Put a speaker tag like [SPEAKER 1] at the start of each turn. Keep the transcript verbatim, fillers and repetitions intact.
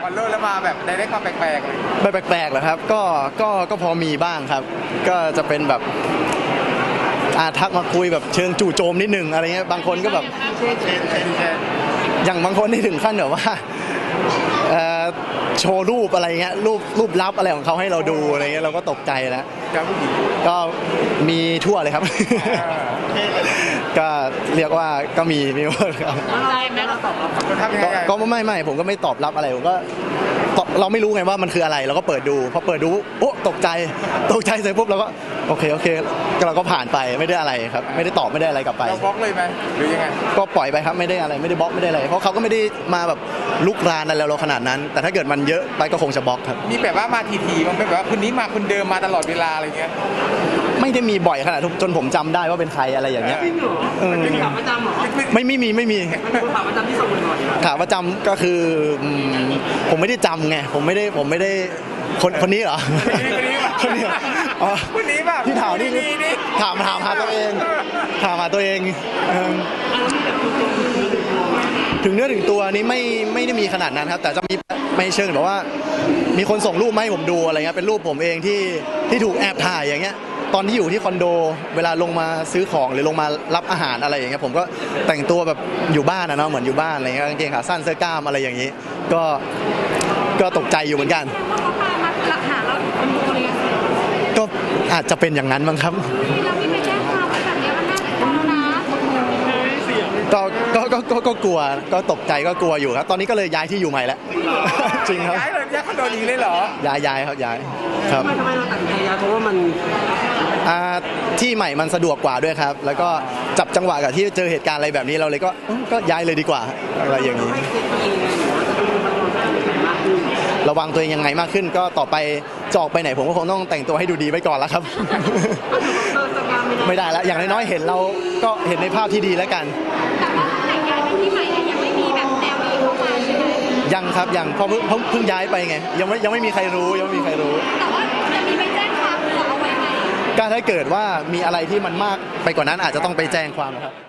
[SPEAKER 1] อลเลอร์แล้วมาแบบได้ได้ความแปลกๆเลย
[SPEAKER 2] แบบแปลกๆเหรอครับก็ก็ก็พอมีบ้างครับก็จะเป็นแบบอาทักมาคุยแบบเชิงจู่โจมนิดนึงอะไรเงี้ยบางคนก็แบบอย่างบางคนที่ถึงขั้นแบบว่าโชว์รูปอะไรเงี้ยรูปรูปลับอะไรของเขาให้เราดูอะไรเงี้ยเราก็ตกใจแล้วก็มีทั่วเลยครับก็เรียกว่าก็มีมีหมดครับก็ไม่ไม่ผมก็ไม่ตอบรับอะไรผมก็เราไม่รู้ไงว่ามันคืออะไรเราก็เปิดดูพอเปิดดูโอ้ตกใจตกใจเสร็จปุ๊บเราก็โอเคโอเคเราก็ผ่านไปไม่ได้อะไรครับไม่ได้ตอบไม่ได้อะไรกลับไป
[SPEAKER 1] เราบล็อกเลยไหมหรือยังไง
[SPEAKER 2] ก็ปล่อยไปครับไม่ได้อะไรไม่ได้บล็อกไม่ได้อะไรเพราะเขาก็ไม่ได้มาแบบลุกรานอะไรเราขนาดนั้นแต่ถ้าเกิดมันเยอะไปก็คงจะบล็อกครับ
[SPEAKER 1] มีแบบว่ามาทีๆมันเป็นแบบว่าคนนี้มาคนเดิมมาตลอดเวลาอะไรเงี้ย
[SPEAKER 2] ไม่ได้มีบ่อยขนาดจนผมจำได้ว่าเป็นใครอะไรอย่างเงี้ย
[SPEAKER 3] จริงเหรอเป็นขาประจำเหรอ
[SPEAKER 2] ไม่ไม่มีไม่มี
[SPEAKER 3] ขาประจำที่ส่งบ่อย
[SPEAKER 2] ขาประจำก็คือผมไม่ได้จำไงผมไม่ได้ผมไม่ได้คนคนนี้เหรอ
[SPEAKER 1] คนนี้อ๋อคนนี้แบบ
[SPEAKER 2] ที่ถามนี่ถามถามหาตัวเองถามหาตัวเองถึงเนื้อถึงตัวนี้ไม่ไม่ได้มีขนาดนั้นครับแต่จะมีไม่เชิงแบบว่ามีคนส่งรูปมาให้ผมดูอะไรเงี้ยเป็นรูปผมเองที่ที่ถูกแอบถ่ายอย่างเงี้ยตอนที่อยู่ที่คอนโดเวลาลงมาซื้อของหรือลงมารับอาหารอะไรอย่างเงี้ยผมก็แต่งตัวแบบอยู่บ้านนะเนาะเหมือนอยู่บ้านอะไรเงี้ยกางเกงขาสั้นเสื้อกล้ามอะไรอย่างงี้ก็ก็ตกใจอยู่เหมือนกันก็อาจจะเป็นอย่างนั้นมั้งครับก็ก็ก็ก็ก็กลัวก็ตกใจก็กลัวอยู่ครับตอนนี้ก็เลยย้ายที่อยู่ใหม่แล้วจริงครับ
[SPEAKER 1] ย้ายเลยย้ายคอนโดนี้เลยเหรอ
[SPEAKER 2] ย้ายย้ายครับย้ายครับ
[SPEAKER 3] ทำไมเราตัดใจย้ายเพราะว่ามัน
[SPEAKER 2] ที่ใหม่มันสะดวกกว่าด้วยครับแล้วก็จับจังหวะกับที่เจอเหตุการณ์อะไรแบบนี้เราเลยก็ก็ย้ายเลยดีกว่าอะไรอย่างนี้ระวังตัวเองยังไงมากขึ้นก็ต่อไปจะออกไปไหนผมก็คงต้องแต่งตัวให้ดูดีไว้ก่อนแล้วครับไม่ได้แล้วอย่างน้อยๆเห็นเราก็เห็นในภาพที่ดีแล้วกัน
[SPEAKER 4] แต่ว่าแต่งงานที่ใหม่ยังไม่มีแบบแนวนี้เข้ามาใช่ไหม
[SPEAKER 2] ยังครับยังเพราะเพิ่งเพิ่งย้ายไปไงยังไม่ยังไม่มีใครรู้ยังไม่มีใครรู้
[SPEAKER 4] แต่ว่าจะมีไปแจ้งความเอาไว้ไหม
[SPEAKER 2] ก็ถ้าเกิดว่ามีอะไรที่มันมากไปกว่านั้นอาจจะต้องไปแจ้งความครับ